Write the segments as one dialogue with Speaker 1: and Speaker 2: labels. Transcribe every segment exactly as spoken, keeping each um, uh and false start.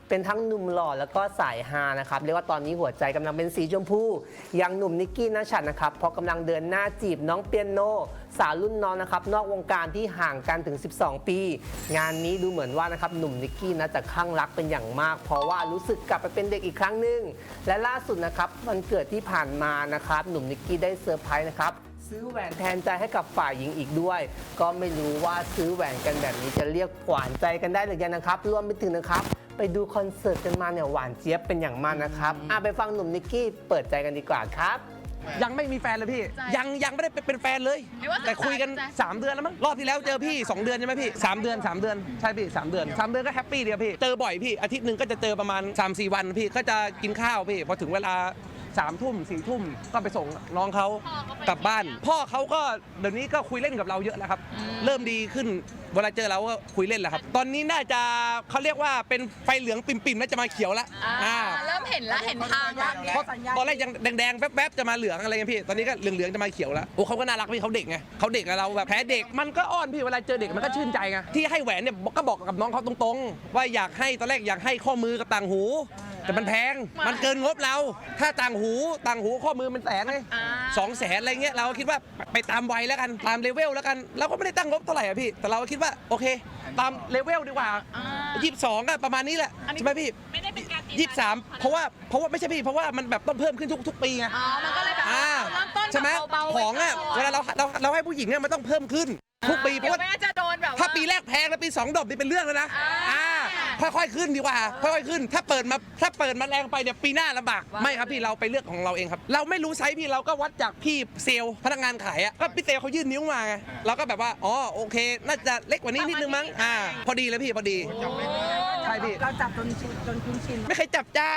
Speaker 1: เป็นทั้งหนุ่มหล่อแล้วก็สายฮานะครับเรียกว่าตอนนี้หัวใจกำลังเป็นสีชมพูอย่างหนุ่มนิกกี้นัชชัดนะครับเพราะกำลังเดินหน้าจีบน้องเปียโนสาวรุ่นน้องนะครับนอกวงการที่ห่างกันถึงสิบสองปีงานนี้ดูเหมือนว่านะครับหนุ่มนิกกี้นะจะคลั่งรักเป็นอย่างมากเพราะว่ารู้สึกกลับไปเป็นเด็กอีกครั้งหนึ่งและล่าสุดนะครับวันเกิดที่ผ่านมานะครับหนุ่มนิกกี้ได้เซอร์ไพรส์นะครับซื้อแหวนแทนใจให้กับฝ่ายหญิงอีกด้วยก็ไม่รู้ว่าซื้อแหวนกันแบบนี้จะเรียกหวานใจกันได้หรือยังนะครับรวมไปถึงนะครับไปดูคอนเสิร์ตกันมาเนี่ยหวานเจี๊ยบเป็นอย่างมากนะครับอ่ะไปฟังหนุ่มนิกกี้เปิดใจกันดีกว่าครับ
Speaker 2: ยังไม่มีแฟนเลยพี่ยังยังไม่ได้เป็นแฟนเลยแต่คุยกันสามเดือนแล้วมั้งรอบที่แล้วเจอพี่สองเดือนใช่ไหมพี่สามเดือนสามเดือนใช่พี่สามเดือนสามเดือนก็แฮปปี้ดีพี่เจอบ่อยพี่อาทิตย์หนึ่งก็จะเจอประมาณ สามสี่ วันพี่ก็จะกินข้าวพี่พอถึงเวลาสามทุ่มสี่ทุ่มก็ไปส่งน้องเขากลับบ้านพ่อเขาก็เดี๋ยวนี้ก็คุยเล่นกับเราเยอะแล้วครับเริ่มดีขึ้นเวลาเจอเราก็คุยเล่นแหละครับตอนนี้น่าจะเขาเรียกว่าเป็นไฟเหลืองปิ่มๆน่าจะมาเขียวแล้ว
Speaker 3: เริ่มเห็นแล้วเห็นทางแล้ว
Speaker 2: เพราะตอนแรกยังแดงๆแป๊บๆจะมาเหลืองอะไรเงี้ยพี่ตอนนี้ก็เหลืองๆจะมาเขียวแล้วโอ้เขาก็น่ารักพี่เขาเด็กไงเขาเด็กกับเราแบบแพ้เด็กมันก็อ้อนพี่เวลาเจอเด็กมันก็ชื่นใจไงที่ให้แหวนเนี่ยก็บอกกับน้องเขาตรงๆว่าอยากให้ตอนแรกอยากให้ข้อมือกับต่างหูแต่มันแพงมันเกินงบเราถ้าต่างหูต่างหูข้อมือมันแสนเลยสองแสนอะไรเงี้ยเราคิดว่าไปตามวัยแล้วกันตามเลเวลแล้วกันเราก็ไม่ได้ตั้งงบเท่าไหร่อะพี่แต่เราคิดว่าโอเคตามเลเวลดีกว่ายี่สิบสองก็ประมาณนี้แหละใช่ไหมพี่
Speaker 3: ไม่ได้เป็นการ
Speaker 2: ยี่สิบสามเพราะว่าเพราะว่าไม่ใช่พี่เพราะว่ามันแบบต้องเพิ่มขึ้นทุกทุกปีไง
Speaker 3: อ๋อมันก็เลยแบบเริ่มต้น
Speaker 2: ใช่ไหมของอ่ะเวลาเราเราเราให้ผู้หญิงเนี่ยมันต้องเพิ่มขึ้นทุกปีเพราะว่า
Speaker 3: จะโดนแบบ
Speaker 2: ถ้าปีแรกแพงแล้วปีสองดอกนี่เป็นเรื่องแล้วนะอ่าค่อยๆขึ้นดีกว่าค่อยๆขึ้นถ้าเปิดมาถ้าเปิดมาแรงไปเนี่ยปีหน้าลำบากไม่ครับพี่เราไปเลือกของเราเองครับเราไม่รู้ไซส์พี่เราก็วัดจากพี่เซลล์พนักงานขายอ่ะก็พี่เซลล์เขายื่นนิ้วมาไงเราก็แบบว่าอ๋อโอเคน่าจะเล็กกว่านี้นิดนึงมั้งอ่าพอดีเลยพี่พอดีใช่พี่
Speaker 4: เราจับจนจนคุ้นชิน
Speaker 2: ไม่เคยจับจ้า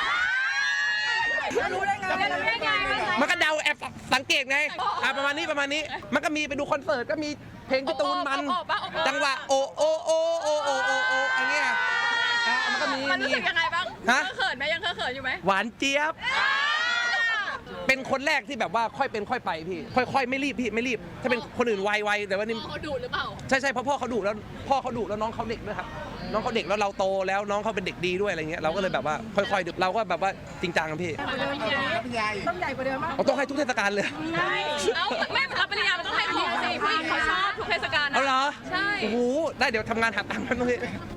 Speaker 4: รู้ได้ไง
Speaker 2: มันก็เดาแอบสังเกตไงอ่าประมาณนี้ประมาณนี้มันก็มีไปดูคอนเสิร์ตก็มีเพลงพี่ตูนมันจังหวะโอโอโอโอโอโอโออะไรเงี้ยมันก็มี
Speaker 3: มันรู้สึกยังไงบ้างฮะเขินไหมยังเขินอยู่ไหม
Speaker 2: หวานเจี๊ยบเป็นคนแรกที่แบบว่าค่อยเป็นค่อยไปพี่ค่อยๆไม่รีบพี่ไม่รีบถ้าเป็นคนอื่นไวๆแต่ว่านี่
Speaker 3: เขาดุหรือเปล่า
Speaker 2: ใช่ใช่เพราะพ่อเขาดุแล้วพ่อเขาดุแล้วน้องเขาเด็กด้วยครับน้องเขาเด็กแล้วเราโตแล้วน้องเขาเป็นเด็กดีด้วยอะไรเงี้ยเราก็เลยแบบว่าค่อยๆเราก็แบบว่าจริงจังกันพี่
Speaker 4: ต้องใหญ่กว่าเดิมมั้ง
Speaker 2: ต้องให้ทุกเทศกาลเลย
Speaker 3: เอ้าไม่รับปริญญามันต้องให้ผู้หญิงสิผู้หญิงเขาชอบทุกเทศกาล
Speaker 2: เอาเหรอ
Speaker 3: ใช่
Speaker 2: โอ้โหได้เดี๋ยวทำงานหาตังค์กันเลย